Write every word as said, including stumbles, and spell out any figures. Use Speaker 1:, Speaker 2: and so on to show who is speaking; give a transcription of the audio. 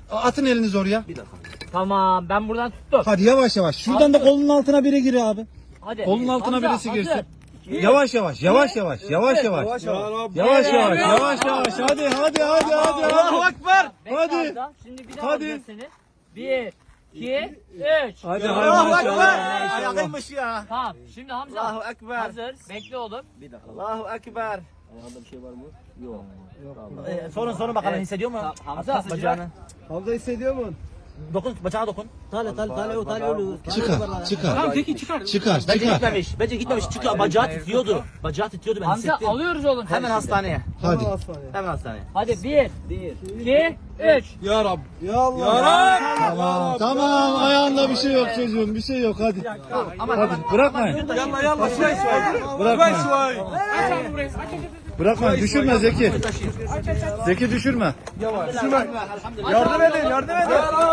Speaker 1: Atın eliniz oraya.
Speaker 2: Tamam ben buradan tuttum.
Speaker 1: Hadi yavaş yavaş. Şuradan da kolunun altına biri gir abi.
Speaker 2: Hadi.
Speaker 1: Kolunun altına
Speaker 2: Hamza,
Speaker 1: birisi
Speaker 2: hazır.
Speaker 1: girsin. Yavaş yavaş, yavaş yavaş, yavaş yavaş. Yavaş yavaş, yavaş yavaş. Hadi hadi hadi hadi.
Speaker 3: Allahu Ekber.
Speaker 2: Bekle
Speaker 1: Hadi.
Speaker 2: Hamza, şimdi bir daha
Speaker 1: Hadi.
Speaker 2: alacağız seni. Bir, iki, üç.
Speaker 1: Hadi
Speaker 3: Allahu Ekber.
Speaker 1: maşallah.
Speaker 3: Ayağıymış ya.
Speaker 2: Tamam şimdi Hamza.
Speaker 3: Allahu Ekber.
Speaker 2: Hazır. Bekle oğlum.
Speaker 3: Allahu Ekber.
Speaker 4: Ayağında bir şey var mı? Yok.
Speaker 3: Ee, sorun sorun bakalım hissediyor mu?
Speaker 2: Hamza.
Speaker 3: Bacağını.
Speaker 5: Hamza hissediyor mu?
Speaker 3: Dokun bacağına dokun.
Speaker 4: Tale tale tale o tale oluyor.
Speaker 1: Çıkar, çıkar.
Speaker 2: Tamam peki çıkar.
Speaker 1: Çıkar,
Speaker 3: Bence
Speaker 1: çıkar.
Speaker 3: gitmemiş. Bence gitmemiş. Çıkıyor. Bacağı titriyordu. Bacağı titriyordu ben
Speaker 2: Hamza
Speaker 3: hissettim.
Speaker 2: alıyoruz oğlum. seni
Speaker 3: Hemen
Speaker 2: şimdi.
Speaker 3: hastaneye.
Speaker 1: Hadi.
Speaker 3: Hemen hastaneye.
Speaker 2: Hadi bir, iki, üç.
Speaker 5: Ya Rab. Ya Allah.
Speaker 1: Tamam, tamam. Ayağında bir şey yok çocuğum, bir şey yok. Hadi. Hadi, bırakmayın.
Speaker 5: Yalla yalla şuay şuay.
Speaker 1: Bırakmayın.
Speaker 5: Şuay.
Speaker 1: Bırakmayın, düşürme Zeki. Zeki düşürme.
Speaker 5: Yardım edin yardım edin.